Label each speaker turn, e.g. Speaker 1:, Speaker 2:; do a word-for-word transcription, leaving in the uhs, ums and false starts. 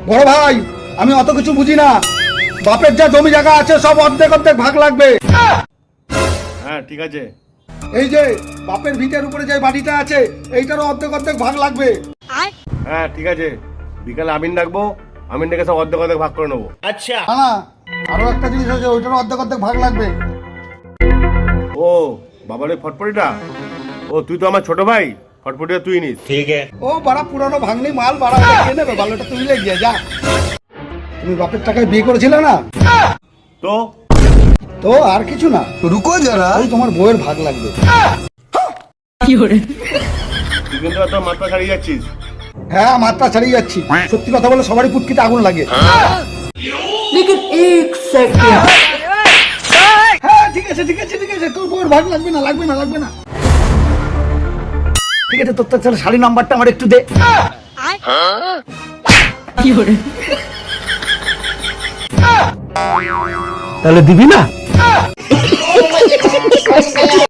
Speaker 1: বড় ভাই আমি অত কিছু বুঝি না, বাপের যা জমি জায়গা আছে সব অর্ধেক অর্ধেক ভাগ লাগবে।
Speaker 2: হ্যাঁ ঠিক আছে।
Speaker 1: এই যে বাপের ভিটের উপরে যে বাড়িটা আছে এইটারও অর্ধেক অর্ধেক ভাগ লাগবে।
Speaker 2: হ্যাঁ ঠিক আছে, বিকালে আমিন ডাকবো, আমিন ডেকে সব অর্ধেক অর্ধেক ভাগ করে নেবো।
Speaker 3: আচ্ছা
Speaker 1: না না, আরো একটা জিনিস আছে ওইটারও অর্ধেক অর্ধেক ভাগ লাগবে।
Speaker 2: ও বাবার ওই ফটফটিটা, ও তুই তো আমার ছোট ভাই, ফটফটিটা তুই নিস।
Speaker 3: ঠিক আছে।
Speaker 1: ও বাড়া পুরানো ভাঙনি মাল বাড়া কে নেবে, ভালোটা তুই লে গিয়ে যা। তুমি বাপের টাকায় বিয়ে করেছিলে না?
Speaker 2: তো
Speaker 1: তো আর কিছু না,
Speaker 4: रुको जरा।
Speaker 1: ওই তোমার বউয়ের ভাগ লাগবে।
Speaker 2: তুই কিন্তু তোর মাথা ছাড়িয়ে যাচ্ছিস।
Speaker 1: হ্যাঁ মাত্রা ছাড়িয়ে যাচ্ছি, সত্যি কথা বলে সবারই পুটকিতে আগুন লাগে। হ্যাঁ ঠিক আছে ঠিক আছে ঠিক আছে, তোর বউয়ের ভাগ লাগবে না লাগবে না লাগবে না। ঠিক আছে তোর তার শাড়ি নাম্বারটা আমার একটু দে। তাহলে দিবি না?